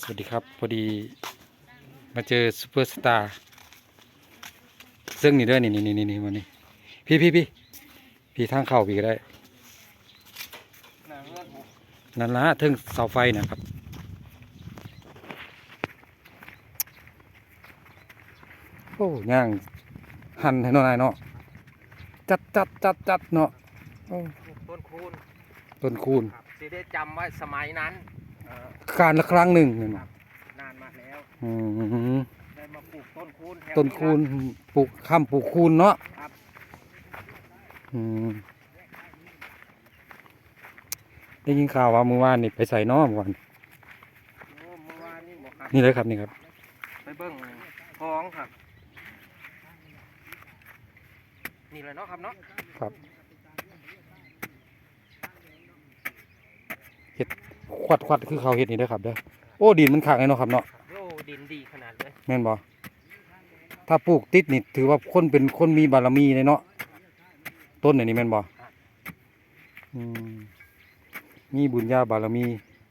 สวัสดีครับพอดีมาเจอซูเปอร์สตาร์ซึ่งนี่ด้วยนี่วันนี้พี่ทางเข้าพี่ก็ได้นั่นละถึงเสาไฟนะครับโอ้ย่างหั่นให้หน่อยเนาะจัดเนาะต้นคูณต้นคูณสิได้จำไว้สมัยนั้นการละครั้งหนึ่งนานมาแล้วได้มาปลูกต้นคูณต้นคูณปลูกข้ามปลูกคูณเนาะได้ยินข่าวว่าเมื่อวานนี่ไปใส่น้อเมื่อวานนี่เลยครับนี่ครับไปเบิ้งท้องครับนี่เลยเนาะครับเนาะครับเห็ดควัดคือเขาเห็ดนี่ได้ครับเด้อโอ้ดินมันขังเลยเนาะครับเนาะโอ้ดินดีขนาดเลยแม่นบ่ถ้าปลูกติดนี่ถือว่าคนเป็นคนมีบารมีเลยเนาะต้นนี่แม่นบ่มีบุญญาบารมี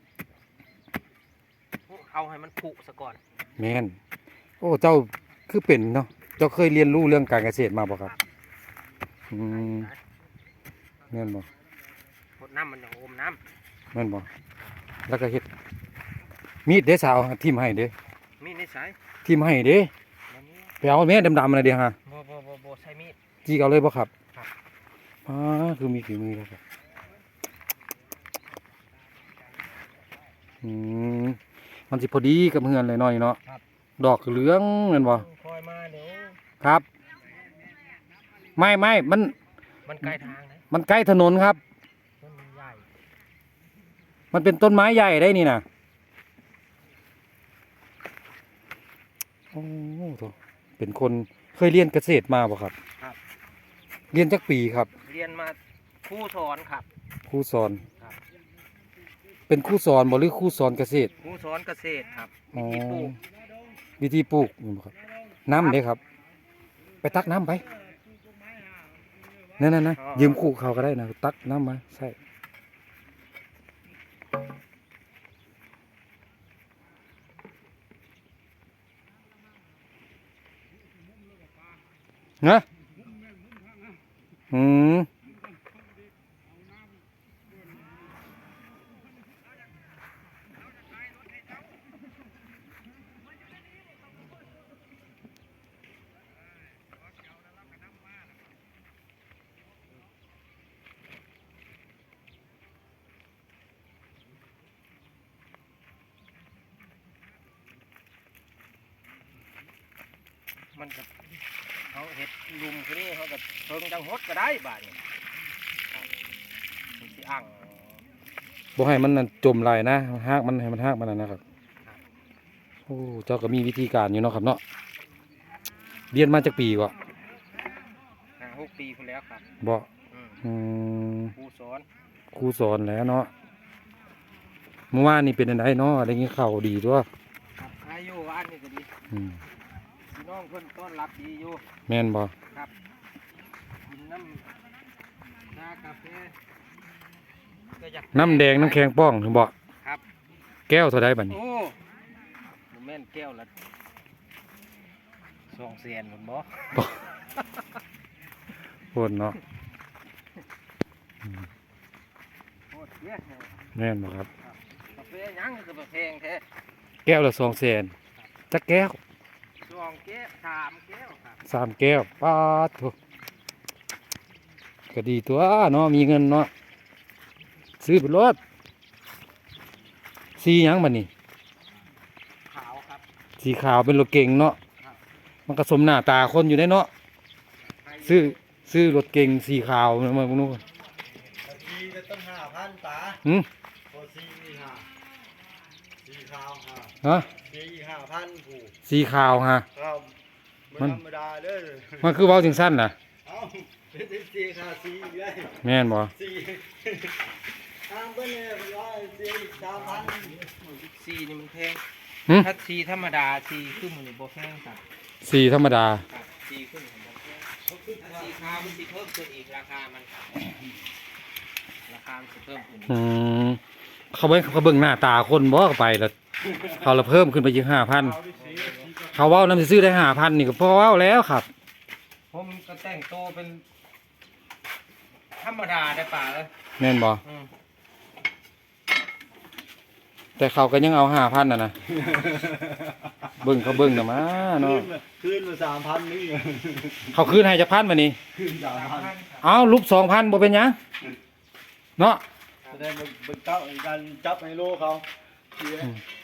เอาให้มันผุซะก่อนแม่นโอ้เจ้าคือเป็นเนาะเจ้าเคยเรียนรู้เรื่องการเกษตรมาบ่ครับแม่นบ่พดน้ำมันอย่างอมน้ำแม่นบ่แล้วก็เฮ็ดมีดเด้สาวทิ่มให้เด้มีดนิสัยทิ่มให้เด้ไปเอาแม่ดำๆอะไรเด้ฮะบ่ใช้มีดจี้เอาเลยบ่ครับคือมีฝีมือแล้วครับมันสิพอดีกับเฮือนเลยหน่อยเนาะดอกเหลืองแม่นบ่คอยมาเดี๋ยวครับไม่มันใกล้ทางนะมันใกล้ถนนครับต้นใหญ่มันเป็นต้นไม้ใหญ่ได้นี่นะโอ้โหเป็นคนเคยเรียนเกษตรมาบ่ครับครับเรียนจักปีครับเรียนมาครูสอนครับครูสอนเป็นครูสอนบ่หรือครูสอนเกษตรครูสอนเกษตรครับวิธีปลูกครับน้ำเด้ครับไปตักน้ำไปนั่นนะยืมคู่เขาก็ได้นะตักน้ำมาใช่นะมันกับเขาเห็ดลุมคือนี่เขากับเพิ่งจังฮดก็ได้บ้านนี่ที่อ่างบ่ให้มันจมไหลนะหากมันให้มันหากมันนะครับโอ้เจ้าก็มีวิธีการอยู่เนาะครับเนาะเรียนมาจากปีกว่า 6 ปีคุณแล้วครับบ่ครูสอนแล้วเนาะเมื่อวานนี่เป็นอะไรเนาะอะไรเงี้ยข่าวดีด้วยอายุอันนี้ก็ดีพี่น้องเพื่อนต้อนรับดีอยู่แม่นบ่ครับกินน้ำชากาแฟน้ำแดงน้ำแข็งป้องถึงบ่ครับแก้วเท่าไรบัดนี้โอ้แม่นแก้วละ200,000หมดบ่โคตรเนาะแม่นบ่ครับกาแฟยังคือแพงแท้แก้วละ200,000จักแก้ว 2 แก้ว3 แก้วครับ 3 แก้วปาดโถก็ดีตัวเนาะมีเงินเนาะซื้อไปรถสีหยังบัดนี้ขาวครับสีขาวเป็นรถเก่งเนาะมันก็สมหน้าตาคนอยู่ได้เนาะซื้อรถเก่งสีขาวมาพวกนู้นสีจะต้อง5,000ป๋าพอสีขาวฮะสี5,000ผู้สีขาวฮะมันธรรมดาเด้อมันคือเว้าถึงสั้นน่ะเป็นสีขาวสีเลยแม่นบ่สีทางเพิ่นเนี่ยสี3,000 สีนี่มันแพงถ้าสีธรรมดาสีขึ้นมันบ่แพงครับสีธรรมดาสีขึ้นมันบ่แพงสีขาวมันสิเพิ่มขึ้นอีกราคามันสิเพิ่มขึ้นเขาเบิ่งหน้าตาคนบ่ก็ไปแล้วเขาละเพิ่มขึ้นไปอีก5,000เขาเว้านำซื้อได้5,000นี่ก็พอเว้าแล้วครับผมก็แต่งตัวเป็นธรรมดาได้ป่าเลยแม่นบ่แต่เขาก็ยังเอา5,000น่ะนะเบิ่งเขาเบิ่งน่ะมาเนาะคืนมา3,000นี่เขาคืนให้จักพันบัดนี้คืน3,000 เอารูป2,000บ่เป็นหยังเนาะจะได้บึกเต้ากันจับในโลเขาเสีย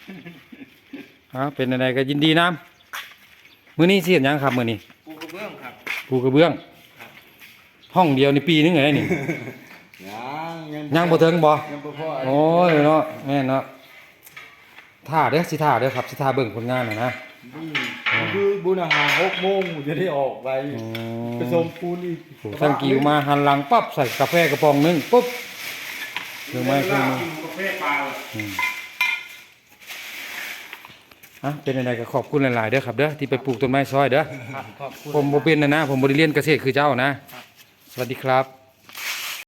เป็นอะไรก็ยินดีนํมื้อนี้สิเฮ็ดหยังครับมื้อนี้ปูกระเบื้องครับปูกระเบื้องห้องเดียวนี่ปีนึงไงนี่ ยังบ่ถึงบ่ยังบ่พอโอ้ยเนาะแม่นเนาะท่าเด้อสิท่าเด้อครับสิท่าเบิ่งผลงานน่ะนะคือบุญอาหาร6 โมงจะได้ออกไปอืไปส่งปูนอีกโอ้ทั้งกิ้วมาหันหลังปั๊บใส่กาแฟกระป๋องหนึงปุ๊บเครื่องไม้เครื่องมือกาแฟปลาเป็นอะไรก็ขอบคุณหลายๆเด้อครับเด้อที่ไปปลูกต้นไม้ซอยเด้อขอบคุณผมบ่เป็นนะผมบ่ได้เรียนเกษตรคือเจ้านะ สวัสดีครับ